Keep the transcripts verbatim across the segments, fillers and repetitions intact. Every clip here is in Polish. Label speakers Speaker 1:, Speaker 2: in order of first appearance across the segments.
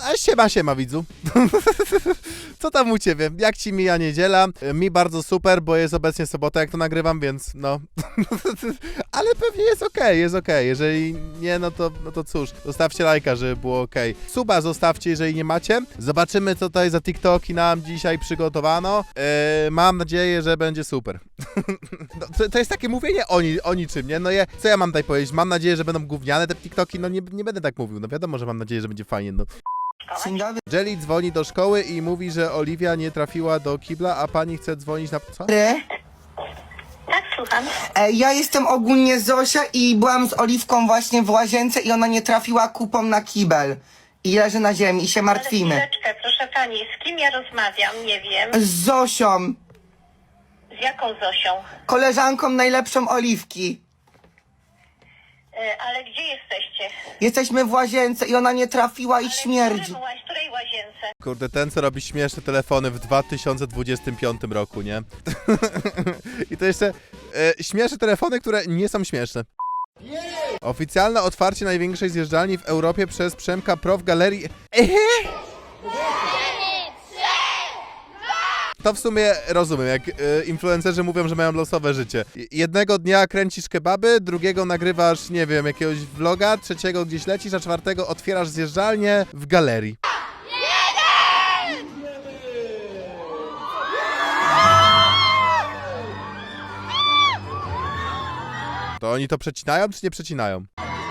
Speaker 1: A siema, siema widzu. Co tam u ciebie? Jak ci mija niedziela? Mi bardzo super, bo jest obecnie sobota, jak to nagrywam, więc no. Ale pewnie jest okej, okay, jest okej. Okay. Jeżeli nie, no to, no to cóż, zostawcie lajka, żeby było okej. Okay. Suba zostawcie, jeżeli nie macie. Zobaczymy, co tutaj za TikToki nam dzisiaj przygotowano. Yy, mam nadzieję, że będzie super. No, to, to jest takie mówienie o, ni o niczym, nie? No je, co ja mam tutaj powiedzieć? Mam nadzieję, że będą gówniane te TikToki, no nie, nie będę tak mówił. No wiadomo, że mam nadzieję, że będzie fajnie, no.
Speaker 2: Dzień dobry.
Speaker 1: Jelly dzwoni do szkoły i mówi, że Oliwia nie trafiła do kibla, a pani chce dzwonić na... Co?
Speaker 3: Tak, słucham.
Speaker 2: E, Ja jestem ogólnie Zosia i byłam z Oliwką właśnie w łazience i ona nie trafiła kupą na kibel. I leży na ziemi i się martwimy.
Speaker 3: Ale chwileczkę, proszę pani, z kim ja rozmawiam? Nie wiem.
Speaker 2: Z Zosią,
Speaker 3: Z jaką Zosią?
Speaker 2: koleżanką najlepszą Oliwki.
Speaker 3: E, ale gdzie jesteście?
Speaker 2: Jesteśmy w łazience i ona nie trafiła i
Speaker 3: Ale
Speaker 2: śmierdzi.
Speaker 3: W którym łaź- w której łazience?
Speaker 1: Kurde, ten co robi śmieszne telefony w dwa tysiące dwudziestym piątym roku, nie? I to jeszcze e, śmieszne telefony, które nie są śmieszne. Oficjalne otwarcie największej zjeżdżalni w Europie przez Przemka Pro w galerii... Ehe? To w sumie rozumiem, jak y, influencerzy mówią, że mają losowe życie. Jednego dnia kręcisz kebaby, drugiego nagrywasz, nie wiem, jakiegoś vloga, trzeciego gdzieś lecisz, a czwartego otwierasz zjeżdżalnię w galerii. To oni to przecinają, czy nie przecinają?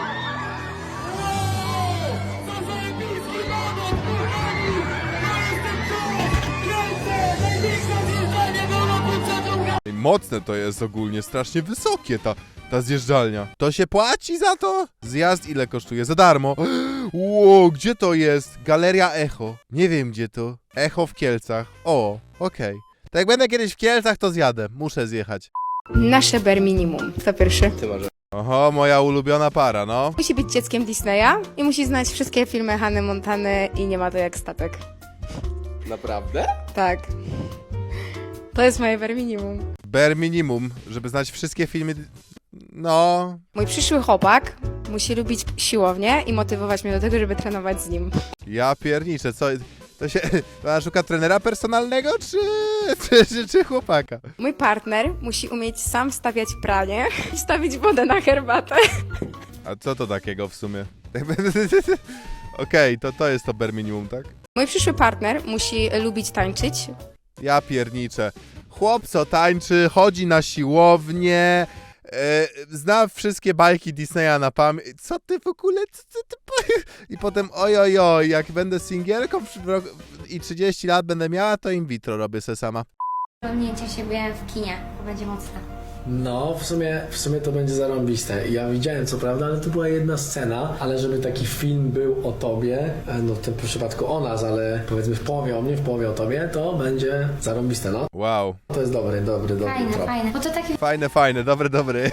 Speaker 1: Mocne to jest ogólnie, strasznie wysokie ta, ta zjeżdżalnia. To się płaci za to? Zjazd ile kosztuje? Za darmo. Ło, gdzie to jest? Galeria Echo. Nie wiem gdzie to. Echo w Kielcach. O, okej. Okay. To jak będę kiedyś w Kielcach, to zjadę. Muszę zjechać.
Speaker 4: Nasze bare minimum. Kto pierwszy?
Speaker 1: Oho, moja ulubiona para, no.
Speaker 4: Musi być dzieckiem Disneya i musi znać wszystkie filmy Hanny Montany i nie ma to jak statek.
Speaker 5: Naprawdę?
Speaker 4: Tak. To jest moje bare minimum.
Speaker 1: Bare minimum, żeby znać wszystkie filmy... No...
Speaker 4: Mój przyszły chłopak musi lubić siłownię i motywować mnie do tego, żeby trenować z nim.
Speaker 1: Ja pierniczę, co... To się... Ona szuka trenera personalnego, czy... czy, czy, czy chłopaka?
Speaker 4: Mój partner musi umieć sam stawiać pranie i stawić wodę na herbatę.
Speaker 1: A co to takiego w sumie? Okej, okay, to, to jest to bare minimum, tak?
Speaker 4: Mój przyszły partner musi lubić tańczyć.
Speaker 1: Ja pierniczę. Chłop co tańczy, chodzi na siłownię, e, zna wszystkie bajki Disneya na pamięć. Co ty w ogóle? Co ty, ty... I potem oj, oj, oj, jak będę singielką i trzydzieści lat będę miała, to in vitro robię se sama.
Speaker 6: Osiągnięcie siebie w kinie, to będzie mocne.
Speaker 5: No, w sumie, w sumie to będzie zarąbiste. Ja widziałem co prawda, ale to była jedna scena, ale żeby taki film był o tobie, no w tym przypadku o nas, ale powiedzmy w połowie o mnie, w połowie o tobie, to będzie zarąbiste, no.
Speaker 1: Wow.
Speaker 5: To jest dobry, dobry, dobry
Speaker 6: Fajne,
Speaker 5: trop.
Speaker 6: fajne. Bo to taki
Speaker 1: Fajne, fajne, dobry, dobry.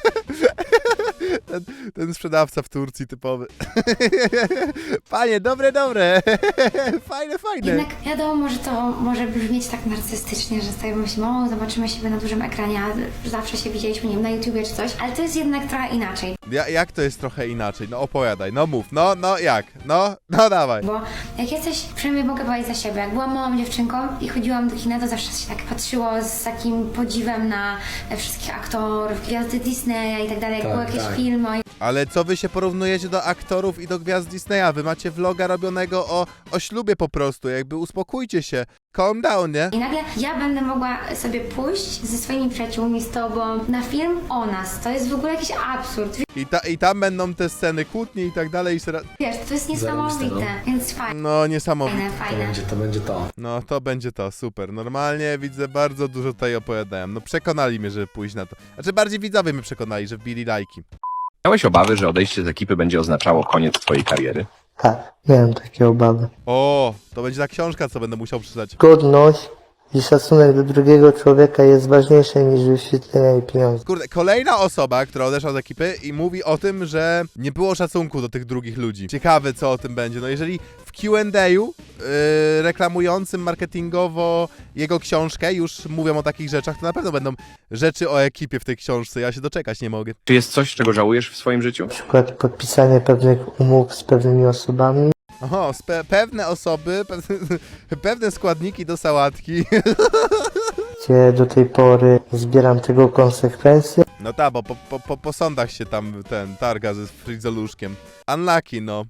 Speaker 1: Ten, ten sprzedawca w Turcji typowy. Panie, dobre, dobre. Fajne, fajne.
Speaker 6: jednak wiadomo, że to może brzmieć tak narcystycznie, że sobie myślimy, o, zobaczymy siebie na dużym ekranie, a zawsze się widzieliśmy, nie wiem, na YouTubie czy coś, ale to jest jednak trochę inaczej.
Speaker 1: Ja, jak to jest trochę inaczej? No opowiadaj, no mów, no, no jak? No, no dawaj.
Speaker 6: Bo jak jesteś, przynajmniej mogę powiedzieć za siebie, jak byłam małą dziewczynką i chodziłam do kina, to zawsze się tak patrzyło z takim podziwem na wszystkich aktorów, gwiazdy Disneya i tak dalej, jak
Speaker 5: Tak,
Speaker 6: były jakieś
Speaker 5: tak.
Speaker 6: filmy.
Speaker 1: Ale co wy się porównujecie do aktorów i do gwiazd Disneya? Wy macie vloga robionego o, o ślubie po prostu, jakby uspokójcie się. Calm down, nie?
Speaker 6: I nagle ja będę mogła sobie pójść ze swoimi przyjaciółmi, z tobą na film o nas. To jest w ogóle jakiś absurd.
Speaker 1: I, ta, I tam będą te sceny kłótni i tak dalej. I sera...
Speaker 6: Wiesz, to jest niesamowite,
Speaker 5: Zarobiste,
Speaker 6: więc fajne,
Speaker 1: No niesamowite.
Speaker 6: fajne,
Speaker 5: To
Speaker 6: fajne.
Speaker 5: będzie, to będzie to.
Speaker 1: No to będzie to, super. Normalnie widzę, bardzo dużo tutaj opowiadałem. No przekonali mnie, żeby pójść na to. Znaczy bardziej widzowie mnie przekonali, że wbili lajki.
Speaker 7: Miałeś obawy, że odejście z ekipy będzie oznaczało koniec twojej kariery?
Speaker 8: Tak, miałem takie obawy.
Speaker 1: O, to będzie ta książka, co będę musiał przeczytać.
Speaker 8: Godność i szacunek do drugiego człowieka jest ważniejszy niż wyświetlenia i pieniądze.
Speaker 1: Kurde, kolejna osoba, która odeszła z ekipy i mówi o tym, że nie było szacunku do tych drugich ludzi. Ciekawe, co o tym będzie. No jeżeli w Q and A'u yy, reklamującym marketingowo jego książkę już mówią o takich rzeczach, to na pewno będą rzeczy o ekipie w tej książce. Ja się doczekać nie mogę.
Speaker 7: Czy jest coś, czego żałujesz w swoim życiu?
Speaker 8: Na przykład podpisanie pewnych umów z pewnymi osobami.
Speaker 1: Oho, spe- pewne osoby, pewne, pewne składniki do sałatki.
Speaker 8: Gdzie do tej pory zbieram tego konsekwencje.
Speaker 1: No tak, bo po, po, po, po sądach się tam ten targa ze frizoluszkiem. Unlucky, no.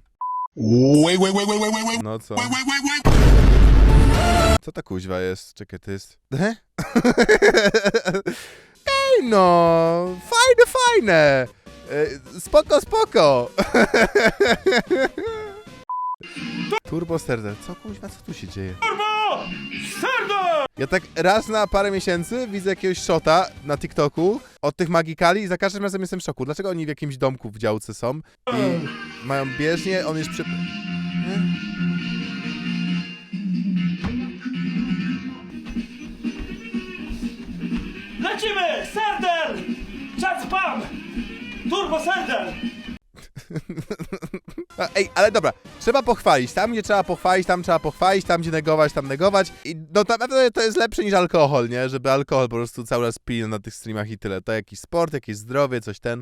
Speaker 1: No co? Co ta kuźwa jest? Czekaj, to jest... He? Ej no! Fajne, fajne! E, Spoko, spoko! Turbo Serder. Co kuźwa, co tu się dzieje? Turbo Serder! Ja tak raz na parę miesięcy widzę jakiegoś shota na TikToku od tych magikali i za każdym razem jestem w szoku. Dlaczego oni w jakimś domku w działce są i mają bieżnię, on jest przy... Nie?
Speaker 9: Lecimy! Serder! Czas spam! Turbo Serder!
Speaker 1: A, ej, ale dobra, trzeba pochwalić. Tam, gdzie trzeba pochwalić, tam trzeba pochwalić, tam, gdzie negować, tam negować. I no naprawdę to jest lepsze niż alkohol, nie? Żeby alkohol po prostu cały czas pili na tych streamach i tyle. To jakiś sport, jakieś zdrowie, coś ten.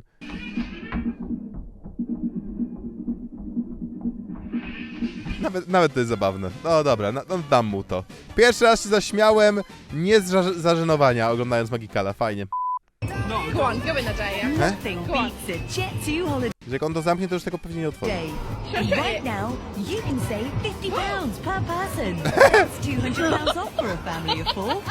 Speaker 1: Nawet, nawet to jest zabawne. No dobra, no, no dam mu to. Pierwszy raz się zaśmiałem, nie z za- zażenowania, oglądając Magikala. Fajnie.
Speaker 4: Go on, go in the day, yeah?
Speaker 10: Nothing beats a Jet two holiday.
Speaker 1: Że jak on to zamknie, to już tego pewnie nie otworzy.
Speaker 10: And right now, you can save fifty pounds per person. That's two hundred pounds off for a family of four.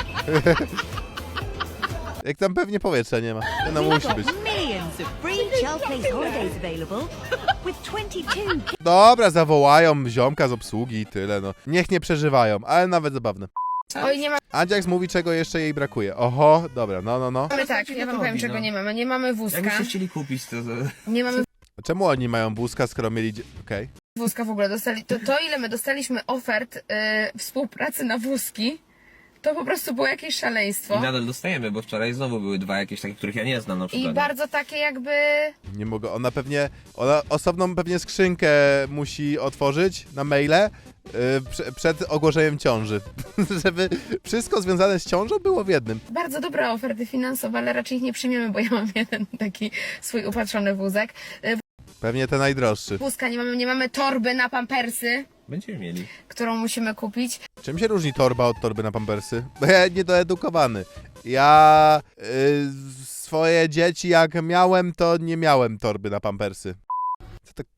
Speaker 1: Jak tam pewnie powietrza nie ma. No musi
Speaker 10: We've
Speaker 1: być.
Speaker 10: got millions of free Child Place holidays available with twenty-two
Speaker 1: Dobra, zawołają ziomka z obsługi i tyle, no. Niech nie przeżywają, ale nawet zabawne.
Speaker 4: Oj, nie
Speaker 1: Andziaks mówi, czego jeszcze jej brakuje. Oho, dobra, no, no, no.
Speaker 4: mamy tak, ja wam powiem, czego nie mamy. Nie mamy wózka.
Speaker 2: Jakbyście chcieli kupić to...
Speaker 4: Nie mamy
Speaker 1: Czemu oni mają wózka, skoro mieli... dzie- Okej.
Speaker 4: wózka w ogóle. Dostali, to, to ile my dostaliśmy ofert y, współpracy na wózki, to po prostu było jakieś szaleństwo.
Speaker 11: I nadal dostajemy, bo wczoraj znowu były dwa jakieś takie, których ja nie znam na przykład.
Speaker 4: I bardzo takie jakby...
Speaker 1: Nie mogę, ona pewnie... Ona osobną pewnie skrzynkę musi otworzyć na maile yy, prze, przed ogłoszeniem ciąży. Żeby wszystko związane z ciążą było w jednym.
Speaker 4: Bardzo dobre oferty finansowe, ale raczej ich nie przyjmiemy, bo ja mam jeden taki swój upatrzony wózek. Y,
Speaker 1: Pewnie te najdroższy.
Speaker 4: Wózka nie mamy, nie mamy torby na pampersy,
Speaker 11: Będziemy mieli.
Speaker 4: którą musimy kupić.
Speaker 1: Czym się różni torba od torby na pampersy? Bo ja niedoedukowany. Ja yy, swoje dzieci jak miałem, to nie miałem torby na pampersy. Co to...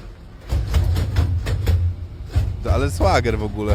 Speaker 1: to ale swagger w ogóle.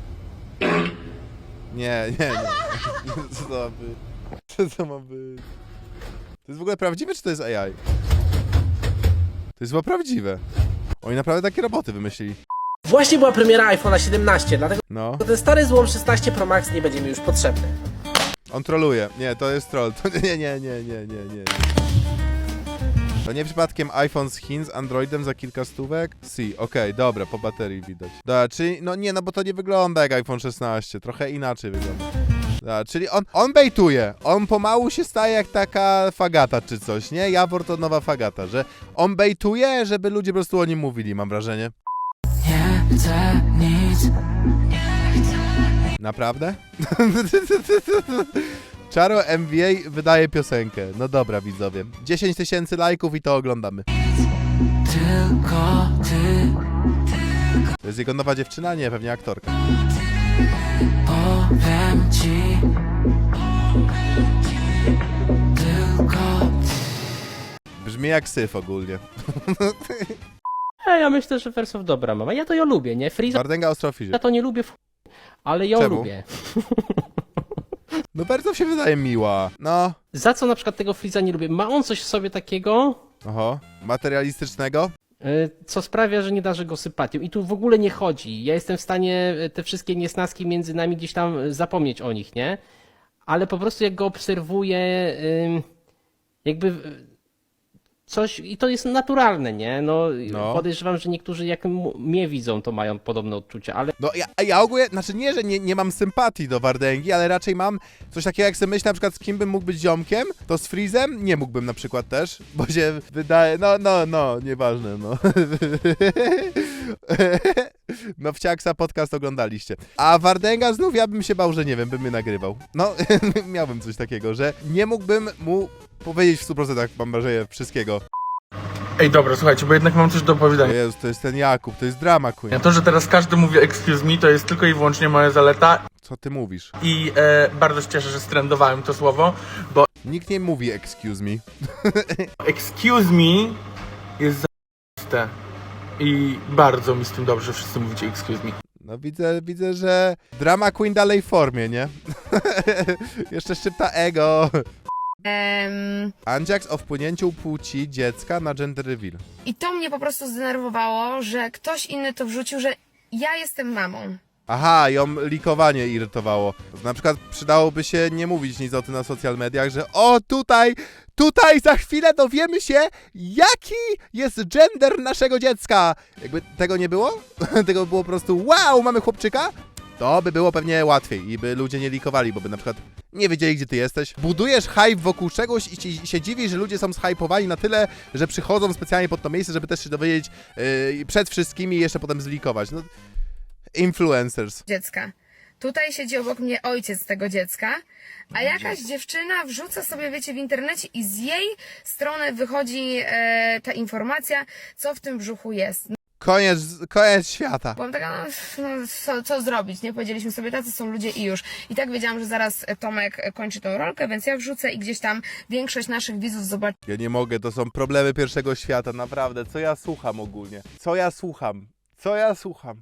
Speaker 1: Nie, nie, nie. Co to ma być? Co to ma być? To jest w ogóle prawdziwe, czy to jest A I? To jest chyba prawdziwe. Oni naprawdę takie roboty wymyślili.
Speaker 12: Właśnie była premiera iPhone'a siedemnaście, dlatego
Speaker 1: No.
Speaker 12: ten stary złom szesnaście Pro Max nie będzie mi już potrzebny.
Speaker 1: On troluje. Nie, to jest troll. To nie, nie, nie, nie, nie, nie, nie. To nie przypadkiem iPhone z Chin z Androidem za kilka stówek? Si, okej, dobra, po baterii widać. Dobra, czyli, no nie, no bo to nie wygląda jak iPhone szesnaście, trochę inaczej wygląda. Dobra, czyli on, on bejtuje, on pomału się staje jak taka fagata czy coś, nie? Jawor to nowa fagata, że on bejtuje, żeby ludzie po prostu o nim mówili, mam wrażenie.
Speaker 12: Nie chcę nic.
Speaker 1: Naprawdę? Czaro M V A wydaje piosenkę. No dobra, widzowie. dziesięć tysięcy lajków i to oglądamy.
Speaker 12: Tylko ty.
Speaker 1: To jest jego nowa dziewczyna? Nie, pewnie aktorka.
Speaker 12: Powiem ci. Tylko
Speaker 1: Brzmi jak syf ogólnie.
Speaker 12: A ja myślę, że Wersow dobra mama. Ja to ją lubię, nie? Freeza
Speaker 1: Wardenga ostro fizie.
Speaker 12: ja to nie lubię, w... ale ją
Speaker 1: Czemu?
Speaker 12: lubię.
Speaker 1: No bardzo się wydaje miła. No.
Speaker 12: Za co na przykład tego Freeza nie lubię? Ma on coś w sobie takiego,
Speaker 1: Oho. Materialistycznego?
Speaker 12: y, co sprawia, że nie darzę go sympatią. I tu w ogóle nie chodzi. Ja jestem w stanie y, te wszystkie niesnaski między nami gdzieś tam y, zapomnieć o nich, nie? Ale po prostu jak go obserwuję, y, jakby y, coś, i to jest naturalne, nie? No,
Speaker 1: No.
Speaker 12: podejrzewam, że niektórzy jak m- mnie widzą, to mają podobne odczucia, ale
Speaker 1: No ja, ja ogólnie, znaczy nie, że nie, nie mam sympatii do Wardęgi, ale raczej mam coś takiego, jak sobie myślę na przykład z kim bym mógł być ziomkiem, to z Freezem nie mógłbym na przykład też, bo się wydaje, no, no, no, nieważne, no. No Wciaksa podcast oglądaliście. A Wardęga znów ja bym się bał, że nie wiem, bym mnie nagrywał. No, miałbym coś takiego, że nie mógłbym mu powiedzieć w stu procentach, mam wrażenie, wszystkiego.
Speaker 13: Ej, dobra, słuchajcie, bo jednak mam coś do powiedzenia.
Speaker 1: Jezus, to jest ten Jakub, to jest drama queen.
Speaker 13: To, że teraz każdy mówi excuse me, to jest tylko i wyłącznie moja zaleta
Speaker 1: Co ty mówisz?
Speaker 13: i e, bardzo się cieszę, że strendowałem to słowo, bo
Speaker 1: Nikt nie mówi excuse me.
Speaker 13: excuse me jest za***ste i bardzo mi z tym dobrze, że wszyscy mówicie excuse me.
Speaker 1: No widzę, widzę, że drama queen dalej w formie, nie? Jeszcze szczypta ego.
Speaker 4: Em,
Speaker 1: Andziaks o wpłynięciu płci dziecka na gender reveal.
Speaker 4: I to mnie po prostu zdenerwowało, że ktoś inny to wrzucił, że ja jestem mamą.
Speaker 1: Aha, ją likowanie irytowało. Na przykład przydałoby się nie mówić nic o tym na social mediach, że o tutaj, tutaj za chwilę dowiemy się, jaki jest gender naszego dziecka. Jakby tego nie było? Tego by było po prostu wow, mamy chłopczyka? To by było pewnie łatwiej i by ludzie nie likowali, bo by na przykład nie wiedzieli, gdzie ty jesteś. Budujesz hype wokół czegoś i ci, się dziwisz, że ludzie są zhypowani na tyle, że przychodzą specjalnie pod to miejsce, żeby też się dowiedzieć yy, przed wszystkimi i jeszcze potem zlikować. No, influencers.
Speaker 4: Dziecka. Tutaj siedzi obok mnie ojciec tego dziecka, a jakaś dziewczyna wrzuca sobie, wiecie, w internecie i z jej strony wychodzi e, ta informacja, co w tym brzuchu jest.
Speaker 1: Koniec, koniec świata.
Speaker 4: Byłam taka, no, no co, co zrobić, nie? Powiedzieliśmy sobie, tacy są ludzie i już. I tak wiedziałam, że zaraz Tomek kończy tą rolkę, więc ja wrzucę i gdzieś tam większość naszych widzów zobaczy.
Speaker 1: Ja nie mogę, to są problemy pierwszego świata, naprawdę. Co ja słucham ogólnie? Co ja słucham? Co ja słucham?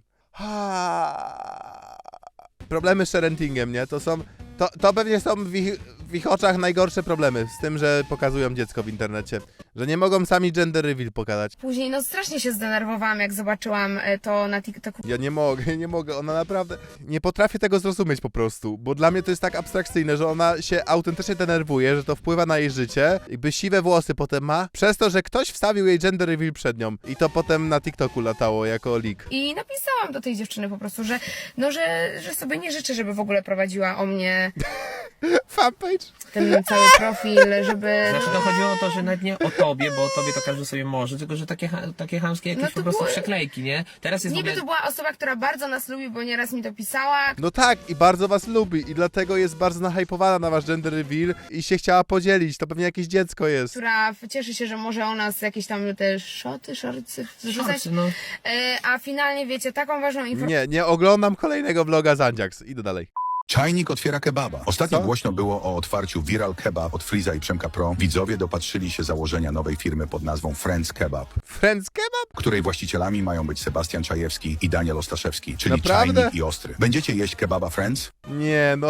Speaker 1: Ha. Problemy z sharentingiem, nie? To są... To, to pewnie są w ich, w ich oczach najgorsze problemy z tym, że pokazują dziecko w internecie. Że nie mogą sami gender reveal pokazać.
Speaker 4: Później, no strasznie się zdenerwowałam, jak zobaczyłam e, to na TikToku.
Speaker 1: Ja nie mogę, nie mogę, ona naprawdę... Nie potrafię tego zrozumieć po prostu, bo dla mnie to jest tak abstrakcyjne, że ona się autentycznie denerwuje, że to wpływa na jej życie, jakby siwe włosy potem ma, przez to, że ktoś wstawił jej gender reveal przed nią i to potem na TikToku latało jako leak.
Speaker 4: I napisałam do tej dziewczyny po prostu, że no, że, że sobie nie życzę, żeby w ogóle prowadziła o mnie
Speaker 1: fanpage?
Speaker 4: Ten cały profil, żeby...
Speaker 11: Znaczy to chodziło o to, że nawet nie o tobie, bo o tobie to każdy sobie może, tylko że takie, ha- takie chamskie jakieś
Speaker 4: No to
Speaker 11: po prostu
Speaker 4: było-
Speaker 11: przeklejki, nie? Teraz jest w
Speaker 4: Niby
Speaker 11: ogóle...
Speaker 4: to była osoba, która bardzo nas lubi, bo nieraz mi to pisała,
Speaker 1: No tak, i bardzo was lubi i dlatego jest bardzo nahypowana na wasz gender reveal i się chciała podzielić, to pewnie jakieś dziecko jest.
Speaker 4: która cieszy się, że może o nas jakieś tam te szoty, szorcy zrzucać.
Speaker 11: Szorcy, no.
Speaker 4: E, a finalnie, wiecie, taką ważną informację...
Speaker 1: Nie, nie oglądam kolejnego vloga z Andziaks. Idę dalej.
Speaker 14: Czajnik otwiera kebaba. Ostatnio
Speaker 1: Co?
Speaker 14: głośno było o otwarciu Viral Kebab od Freeza i Przemka Pro. Widzowie dopatrzyli się założenia nowej firmy pod nazwą Friends Kebab,
Speaker 1: Friends Kebab?
Speaker 14: której właścicielami mają być Sebastian Czajewski i Daniel Ostaszewski, czyli
Speaker 1: Naprawdę?
Speaker 14: Czajnik i Ostry. Będziecie jeść kebaba Friends?
Speaker 1: Nie, no.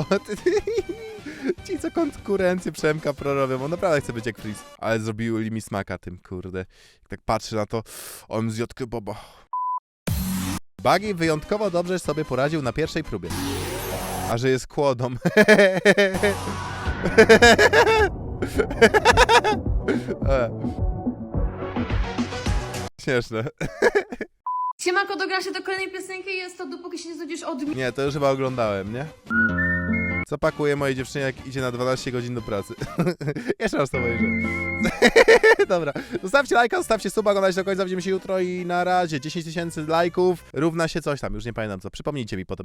Speaker 1: Ci, co konkurencję Przemka Pro robią, on naprawdę chce być jak Freeze. Ale zrobili mi smaka tym, kurde. Jak tak patrzę na to, on zjadł kebaba. Buggy wyjątkowo dobrze sobie poradził na pierwszej próbie. A że jest kłodą. E. Śmieszne.
Speaker 15: Siemanko, dogra się do kolejnej piosenki i jest to dopóki się nie znudzisz od mnie.
Speaker 1: Nie, to już chyba oglądałem, nie? Co pakuje mojej dziewczynie, jak idzie na dwanaście godzin do pracy? Jeszcze raz to obejrzę. Dobra, zostawcie lajka, zostawcie suba, oglądajcie do końca, widzimy się jutro i na razie. dziesięć tysięcy lajków równa się coś tam, już nie pamiętam co. Przypomnijcie mi potem.